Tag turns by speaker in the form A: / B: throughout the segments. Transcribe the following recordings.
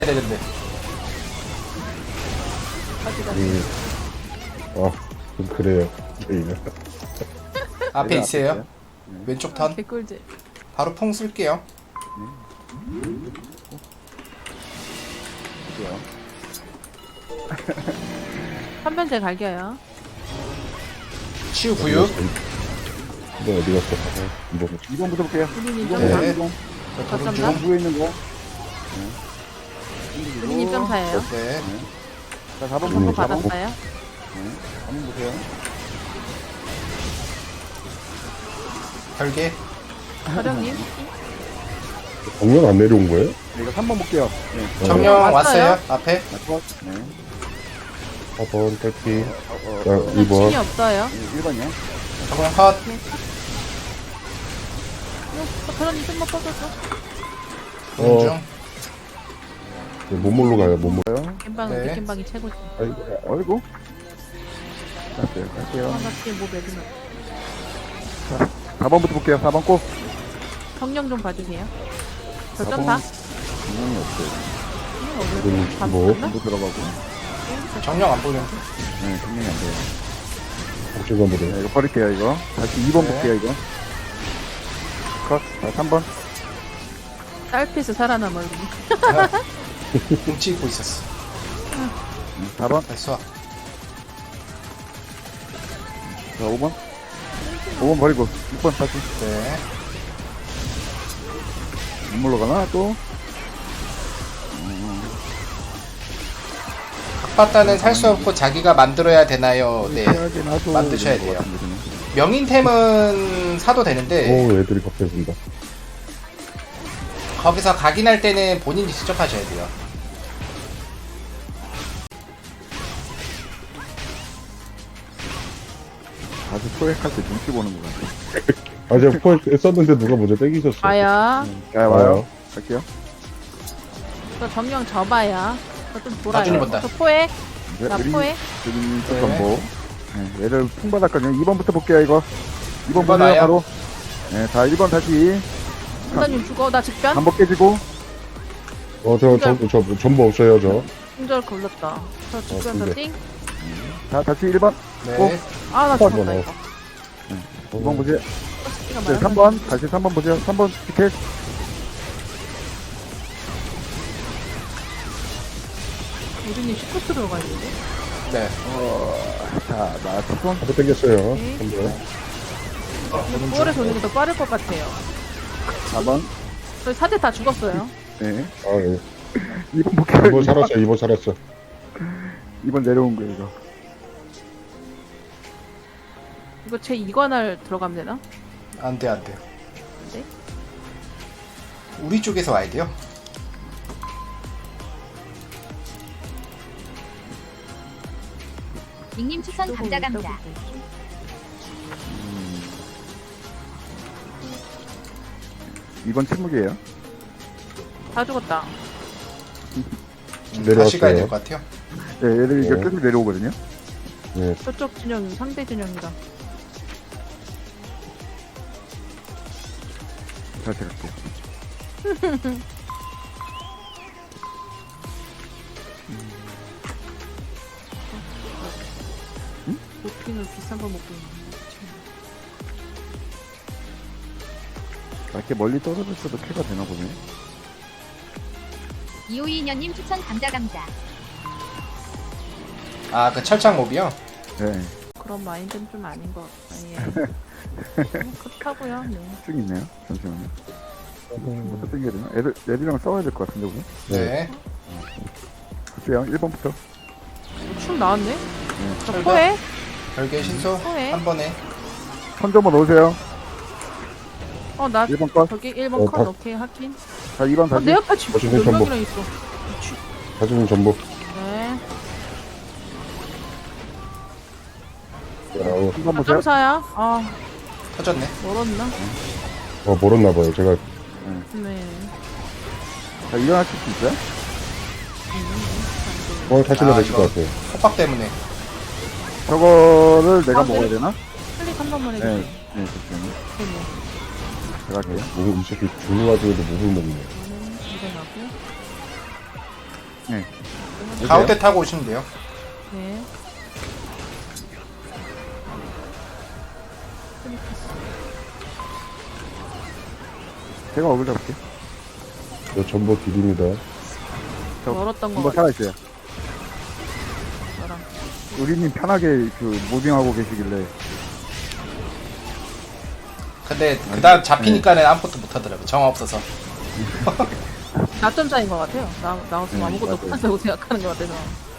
A: 되는데.
B: 좀 그래요. 이거.
A: 앞에
C: 내가
A: 있어요.
C: 앞에
A: 왼쪽 턴.
D: 개꿀잼.
A: 바로 퐁 쓸게요.
C: 있어요.
D: 한변제 갈겨요.
A: 치유 구육.
B: 이거 어디 갔어? 이거
C: 2번부터 볼게요.
D: 본인이
C: 2번,
D: 점사.
A: 네.
C: 2번.
D: 거점사.
C: 2번 부에 있는 거.
D: 본인이 점사예요.
A: 네.
C: 자, 4번
D: 정보
C: 보고
D: 받았어요.
C: 4번 보세요.
A: 별개.
D: 서령님.
B: 정면 안 내려온 거예요?
C: 네, 이거 3번 볼게요. 네.
A: 정령
D: 왔어요?
A: 왔어요. 앞에.
C: 컷. 네.
B: 4번 딸기. 자,
D: 신이
B: 2번.
D: 없어요.
C: 1번이요.
A: 정령 컷.
D: 서령님 좀만 뻗어줘.
A: 공중.
B: 몸물로 가요, 몸물.
D: 겜방은
A: 네.
D: 겜방이 최고지.
C: 어이구. 갈게요. 갈게요.
D: 나 뒤에 뭐 매드나.
C: 4번부터 볼게요. 4번 꼭.
D: 정령 좀 봐주세요. 저
C: 4번.
D: 점사.
C: 분명히 없어요.
B: 뭐?
C: 또 들어가고.
A: 정령 안 보이는데.
C: 네, 분명히 안 돼요.
B: 복제관으로.
C: 네, 이거 버릴게요, 이거. 다시 2번
A: 네.
C: 볼게요, 이거. 컷. 자, 3번.
D: 딸피스 살아남아.
A: 뭉치 입고 있었어.
C: 4번.
A: 됐어.
C: 자, 5번. 5번 버리고. 6번 다시.
A: 네.
C: 눈물로 가나, 또?
A: 각바다는 살 수 없고 자기가 만들어야 되나요? 네.
C: 해야지, 나도.
A: 만드셔야
C: 이런 것
A: 돼요.
C: 같은데, 그냥.
A: 명인템은 사도 되는데
B: 오, 애들이 갑자기진다.
A: 거기서 각인할 때는 본인이 직접 하셔야 돼요.
C: 다시 포획할 때 눈치 보는 것 같아.
B: 제가 포획 썼는데 누가 먼저 땡기셨어.
D: 봐야.
C: 자, 와요. 갈게요.
D: 저 정령 접어야. 저 좀 돌아요.
A: 나중에 본다.
D: 저 포획.
C: 네,
D: 나
C: 그림,
D: 포획.
C: 그림 쪽
A: 네.
C: 정보. 네, 얘를 풍받았거든요. 2번부터 볼게요, 이거. 2번 보세요,
A: 나요?
C: 바로. 네, 자, 1번 다시.
D: 선생님 죽어. 나 직변.
C: 반복 깨지고.
B: 저 전부 없어요, 저.
D: 공절 걸렸다. 저 직변 저
B: 근데.
D: 띵.
C: 자, 다시 1번.
A: 네.
D: 아, 나
B: 번
D: 죽었다,
B: 넣어.
D: 이거.
C: 2번 보세요.
D: 스키가
C: 네,
D: 많아서.
C: 3번. 다시 3번 보세요. 3번 티켓.
D: 우진님 시프트로 가야 되는데.
A: 네.
C: 자, 나 10번.
B: 한번 땡겼어요.
D: 네.
B: 한번.
D: 9월에 도는 게 더 빠를 것 같아요.
C: 4번.
D: 저희 사제 다 죽었어요.
C: 네.
B: 아, 예.
C: 2번 볼게요.
B: 2번 살았어, 2번 살았어.
C: 2번 내려온 거예요, 이거.
D: 이거 제 2관할 들어가면 되나?
A: 안 돼, 안 돼.
D: 안 돼?
A: 우리 쪽에서 와야 돼요.
E: 닉님 추천 감자 감자.
C: 2번 침묵이에요.
D: 다 죽었다.
A: 다시 가야 될
B: 내려왔어요.
A: 것 같아요.
C: 네, 얘들이 이제
B: 네.
C: 계속 내려오거든요.
B: 네.
D: 저쪽 진영, 상대 진영이다.
C: 다시 갈게요.
D: 도핑을 비싼 걸 먹고 있네.
C: 이렇게 멀리 떨어졌어도 캐가 되나 보네.
E: 2522년님 추천 감자 감자.
A: 아, 그 철창 몹이요?
C: 네,
D: 그런 마인드는 좀 아닌 것 같아요. 그렇다고요. 네.
C: 쭉 있네요. 잠시만요. 어떻게 땡겨야 되나? 애들이랑 싸워야 될 것 같은데, 우리?
A: 네.
C: 글쎄요, 1번부터.
D: 춤 나왔네?
C: 네.
D: 저
A: 철벽.
D: 포해?
A: 별개 신소
D: 네.
A: 한 번에.
C: 선 좀 넣으세요.
D: 나
C: 1번 컷.
D: 저기 1번 컷
B: 다-
D: 오케이 하긴.
C: 자, 2번 다시.
D: 내 앞에 지금
B: 어쨌든
D: 몇
B: 전부.
D: 명이나 있어.
B: 가지는 전부.
D: 네.
B: 아우,
C: 3번 보세요.
D: 점사야. 아,
A: 터졌네.
D: 멀었나?
B: 멀었나봐요. 제가.
D: 네.
C: 자, 일어나실 수 있어요?
B: 타시면
A: 아,
B: 되실
A: 이거.
B: 것 같아요.
A: 호박 때문에.
C: 저거를 내가
D: 아,
C: 먹어야
D: 네.
C: 되나?
D: 클릭 한 번만
C: 네,
D: 해주세요.
C: 네, 잠시만요.
D: 네.
C: 제가 할게요.
B: 이 새끼 죽는 와중에도 목을 먹네.
D: 저는 일어나고.
C: 네.
A: 가운데 타고 오시면 돼요.
D: 네.
C: 제가 어글 잡을게요.
B: 저 전보 드립니다.
D: 멀었던 거
C: 한번
D: 같아.
C: 살아있어요.
D: 너랑.
C: 우리님 편하게 그 무빙하고 계시길래.
A: 근데 그다음 잡히니까는 아무것도 못 하더라고. 정 없어서.
D: 나점 차인 것 같아요. 나 없으면 아무것도
C: 맞아요.
D: 못한다고 생각하는 것 같아서.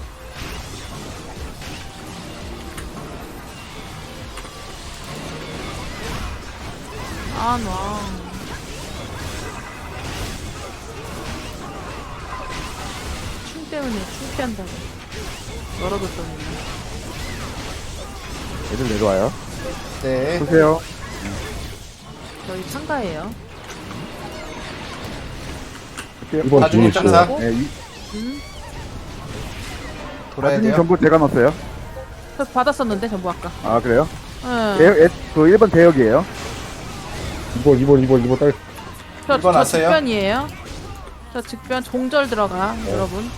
D: 아, 나. 춤 때문에 창피한다고. 멀어졌더니.
C: 애들 내려와요.
A: 네.
C: 보세요.
D: 저희 참가예요.
C: 볼게요.
B: 1번 뒤에
A: 나중에
B: 있어요.
A: 점사
C: 네,
A: 돌아야
C: 나중에
A: 돼요.
C: 전부 제가 넣었어요.
D: 저 받았었는데, 전부 아까.
C: 아, 그래요?
D: 응.
C: 그 1번 대역이에요.
B: 2번 딸.
D: 저
A: 이번 왔어요?
D: 직변이에요. 저 직변 종절 들어가, 여러분.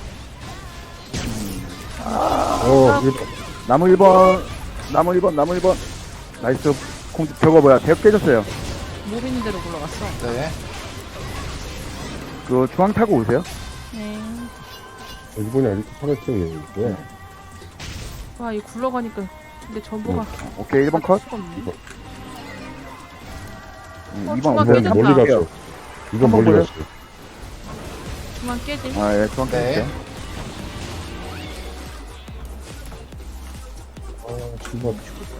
B: 어, 1번.
C: 나무 1번. 나무 1번. 나이스. 저거 뭐야. 대역 깨졌어요.
D: 못 있는 대로 굴러갔어.
A: 네.
C: 그 중앙 타고 오세요.
D: 네.
B: 1번이 아직도 살아있어요. 네.
D: 와, 이 굴러가니까. 근데 전부가.
C: 오케이, 1번 컷.
D: 수가 없네.
C: 2번
D: 중앙
C: 오세요.
D: 깨졌다.
B: 멀리 갔어. 2번
C: 한번
B: 멀리
C: 보여요.
B: 갔어.
D: 그만 깨지.
C: 아, 예, 중앙
A: 네.
C: 깨졌어요.
B: 신발.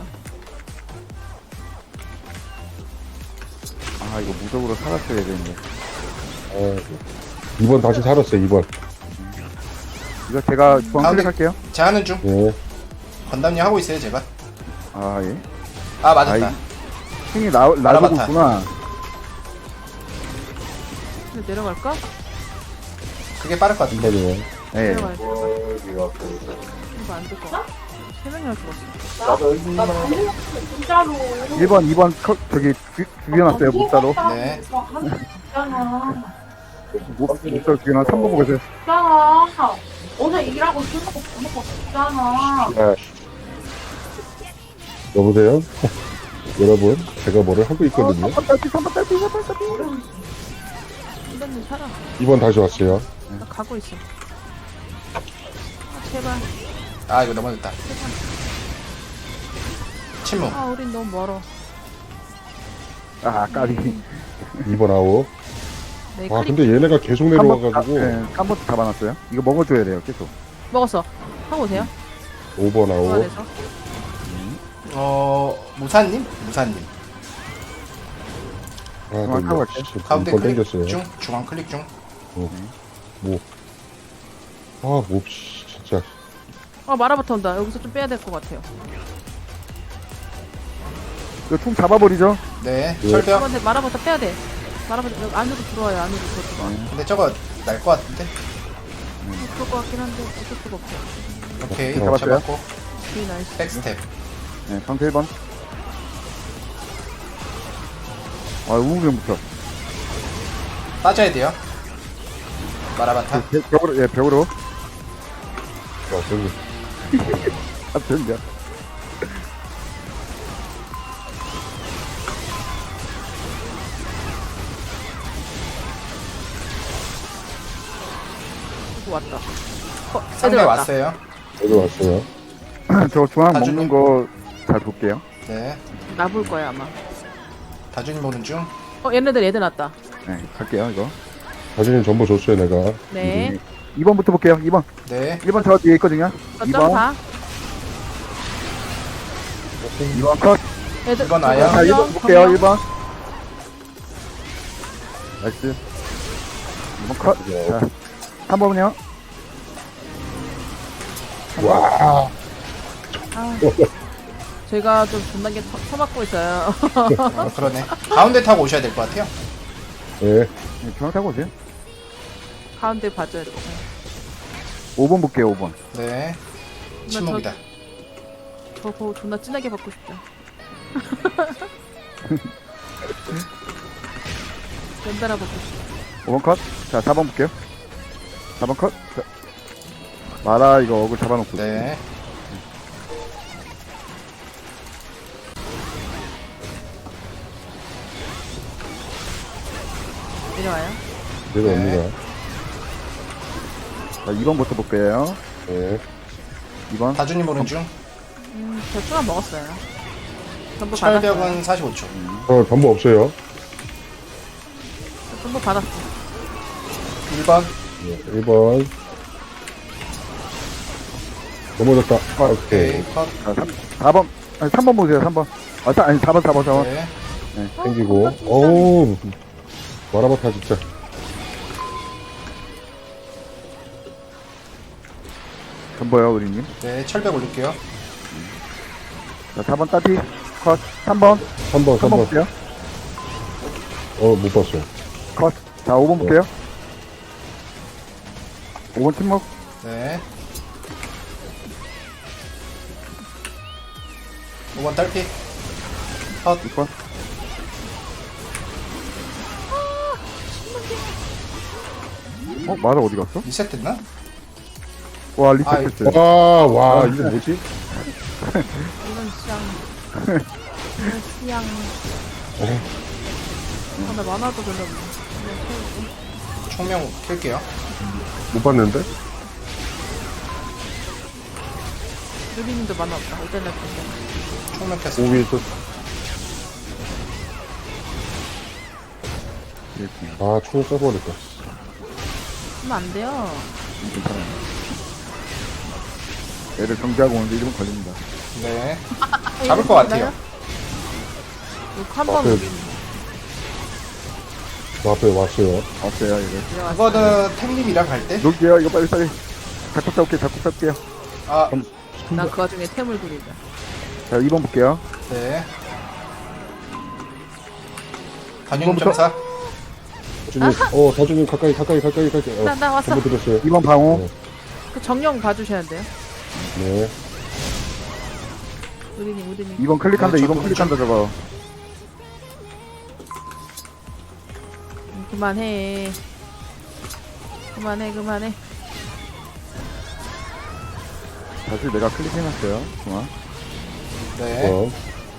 C: 아, 이거 무적으로 살았어야 되는데.
B: 2번 다시 살았어요, 2번.
C: 이거 제가 중앙
A: 가운데.
C: 클릭할게요.
A: 제 하는 중.
B: 네.
A: 건담님 하고 있어요, 제가.
C: 아, 예.
A: 아, 맞았다.
C: 힘이 놔두고
A: 알아봤다.
C: 있구나.
D: 근데 내려갈까?
A: 그게 빠를 것 같은데.
B: 1번이요.
C: 예.
D: 내려가야 돼. 이거 안 될 것 같아. 세 명이나 죽었어.
C: 1번, 2번 컷, 저기, 죽여놨어요, 목사로.
A: 네.
C: 목사로 죽여놨 3번 보겠어요.
F: 있잖아. 오늘 일하고 술 먹고 밥 먹고 있잖아.
B: 네. 여보세요? 여러분, 제가 뭐를 하고 있거든요.
C: 3번 딸피, 3번 딸피, 3번 딸피.
D: 선배님 살아.
B: 2번 다시 왔어요.
D: 나 가고 있어. 아, 제발.
A: 아, 이거 넘어졌다. 침묵.
D: 아, 우린 너무 멀어.
C: 아, 까비.
B: 2번 아웃.
D: 네,
B: 아,
D: 클릭
B: 근데 얘네가 계속 내려와가지고.
C: 네, 3번 잡아놨어요. 이거 먹어줘야 돼요, 계속.
D: 먹었어. 하고 오세요.
B: 5번 아웃.
D: 좋아해서.
A: 무사님? 무사님.
B: 아,
C: 중앙 타고 갈게요.
A: 가운데
B: 2번
A: 클릭
B: 땡겼어요.
A: 중. 중앙 클릭 중.
B: 아, 몹시, 진짜.
D: 아, 마라부터 온다. 여기서 좀 빼야 될 것 같아요.
C: 이거 총 잡아버리죠.
A: 네.
B: 네.
A: 철벽.
D: 근데 마라부터 빼야 돼. 마라부터 여기 안으로 들어와요. 안으로 들어와.
A: 근데 저거 날 것 같은데.
D: 그럴 것 같긴 한데 어쩔 수가 없어.
A: 오케이.
C: 잡았어요?
A: 잡았고.
D: 오케이, 나이스.
A: 백스텝.
C: 네, 상태 1번. 아, 우무병부터.
A: 빠져야 돼요. 마라바타.
C: 벽으로, 예, 벽으로.
B: 아, 저기.
C: 아, 된다.
D: 이거 왔다.
A: 상대
D: 애들 왔다.
A: 왔어요.
B: 여기 왔어요.
C: 저 중앙
A: 다주님.
C: 먹는 거 잘 볼게요.
A: 네.
D: 나볼 거야 아마.
A: 다준이 보는 중.
D: 얘네들 애들 왔다.
C: 네, 갈게요, 이거.
B: 사진은 전부 줬어요, 내가.
D: 네.
C: 2번부터 볼게요, 2번.
A: 네.
C: 1번 저 뒤에 있거든요.
D: 저점
C: 2번.
D: 4.
C: 2번 컷.
D: 애들.
A: 이번 와요?
C: 자, 1번 볼게요, 1번. 나이스. 2번 컷. 자, 3번은요?
B: 와,
D: 제가 좀 존나게 쳐맞고 있어요.
A: 그러네. 가운데 타고 오셔야 될 것 같아요.
B: 예.
C: 네, 중앙 타고 오세요.
D: 가운데 봐줘야 돼.
C: 5번 볼게요, 5번.
A: 네. 침묵이다.
D: 저거 존나 진하게 받고 싶다. 연달아 받고 싶다.
C: 5번 컷. 자, 4번 볼게요. 4번 컷. 자, 마라 이거 어글 잡아놓고.
A: 네.
D: 내려와요.
B: 내려옵니다.
C: 자, 2번부터 볼게요.
B: 네.
C: 2번.
A: 다주님 오른 중.
D: 저 추가 먹었어요. 전부 받았어요.
A: 철벽은 45초.
B: 전부 없어요.
D: 전부 받았어.
A: 1번.
B: 네, 1번. 넘어졌다. 아, 오케이.
A: 오케이. 컷.
C: 자, 4번. 아니, 3번 보세요, 3번. 아니, 4번.
A: 네.
B: 생기고. 어우. 마라바타 진짜.
C: 전보요, 우리님.
A: 네. 철벽 올릴게요.
C: 자, 4번 따비. 컷. 3번.
B: 3번,
C: 3번
B: 3번.
C: 볼게요.
B: 못 봤어요.
C: 컷. 자, 5번 볼게요. 5번 침묵.
A: 네. 5번 딸피. 컷.
C: 6번. 마라 어디 갔어?
A: 리셋 됐나?
C: 와, 리셋했어요.
B: 와, 이거 뭐지?
D: 이건 시향. 이건 시향. 나 만화도 별로 없네.
A: 총명 킬게요.
B: 못 봤는데?
D: 유리님도 만화 없다. 일단 나 볼게.
A: 총명 켰어.
B: 오위 또. 아, 총을 써버렸다.
D: 하면 안 돼요.
C: 괜찮아요. 애들 정지하고 오는데 1분 걸립니다.
A: 네. 잡을 것 같아요.
D: 한번
B: 앞에, 저 앞에 왔어요.
C: 없어요, 이거.
A: 그거는 템님이랑 갈 때?
C: 놀게요, 이거 빨리. 자꾸 싸울게요.
A: 아,
D: 나그 와중에 템을 그리자.
C: 자, 2번 볼게요.
A: 네. 단용 점사.
B: 다주님 가까이.
D: 나 왔어.
B: 전부 들었어요.
C: 2번 방호.
B: 네.
D: 그 정령 봐주셔야 돼요.
B: 네.
D: 우리님.
C: 2번 클릭한다,
A: 네,
C: 2번
A: 저도
C: 클릭한다, 저거.
D: 그만해.
C: 사실 내가 클릭해놨어요, 중앙.
A: 네.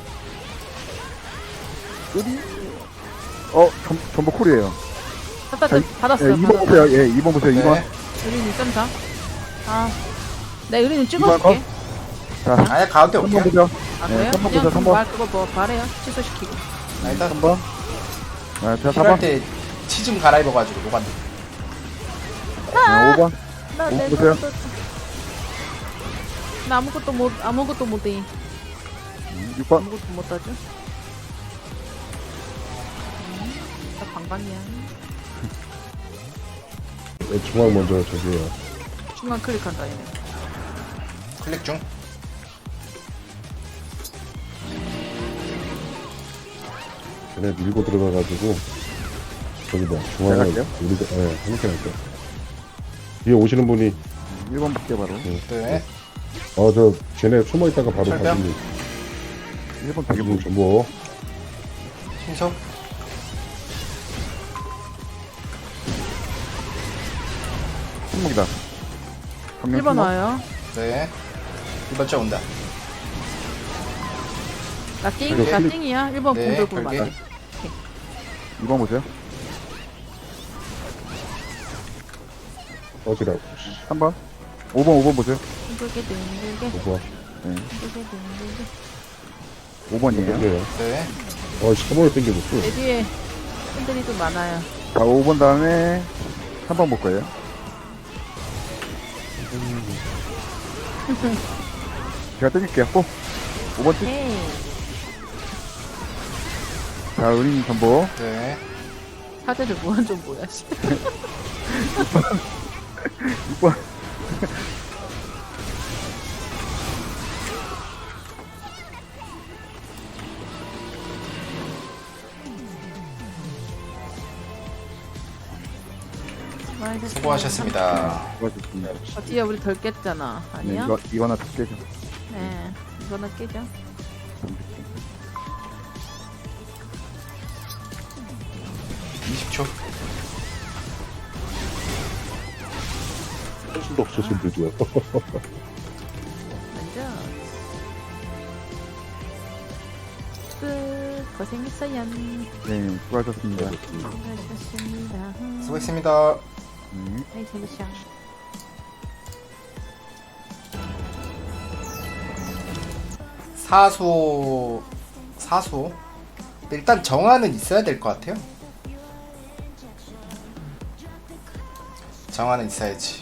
C: 전부 쿨이에요.
D: 받았어요.
C: 2번 보세요, 2번 보세요,
A: 네.
C: 2번.
D: 의리님 점사. 네, 의리님
C: 이번
D: 찍어줄게.
C: 자,
A: 아예 가운데
C: 3번
A: 올게요.
C: 보죠.
D: 아,
C: 네,
D: 그래요?
C: 3번
D: 그냥
C: 보죠, 3번.
D: 그거 뭐 말해요. 취소시키고.
A: 나 일단
C: 3번. 자,
A: 필요할
C: 4번.
A: 때 치좀 갈아입어가지고 노간.
C: 5번.
D: 나
C: 오,
D: 내
C: 보세요.
D: 나 아무것도 못해.
C: 6번.
D: 아무것도 못 하죠. 나 방방이야.
B: 중앙 먼저 저기요.
D: 중간 클릭한다 얘네.
A: 클릭 중.
B: 얘네 밀고 들어가가지고, 저기 중앙에,
C: 갈게요?
B: 우리가, 함께 할게요. 뒤에 오시는 분이,
C: 1번 볼게요, 바로.
A: 네.
B: 쟤네 숨어있다가 바로
A: 철벽?
B: 다주님.
C: 1번 되게
B: 다주님 전부.
A: 신속.
C: 침묵이다.
D: 1번 와요.
A: 네. 1번 째 온다.
D: 나
B: 이거
D: 띵이야. 1번
A: 네,
D: 공돌굴
A: 별개.
D: 맞아.
C: 2번 보세요.
B: 어지라고.
C: 3번. 5번 보세요.
D: 둥글게.
B: 뭐야.
C: 5번이에요.
B: 땡겨요.
A: 네.
B: 3번을 땡겨줬어.
D: 내 뒤에 팬들이 좀 많아요.
C: 자, 5번 다음에 3번 볼 거예요. 제가 땡길게요. 5번 찍.
D: 헤이.
C: 자, 의린 전보.
A: 네.
D: 사제들 무한 좀 뭐야.
C: 6번.
A: 수고하셨습니다.
C: 수고하셨습니다.
D: 뒤에 우리 덜 깼잖아.
C: 네,
D: 아니야?
C: 이거 하나 더 깨죠.
D: 네. 이거는 깨죠.
A: 20초.
B: 수도 없으신 분이요.
D: 먼저 끝. 고생했어요.
C: 네, 수고하셨습니다.
D: 수고하셨습니다.
A: 수고했습니다.
C: 네.
D: 아이 재밌어.
A: 사수 일단 정화는 있어야 될 것 같아요. 정화는 있어야지.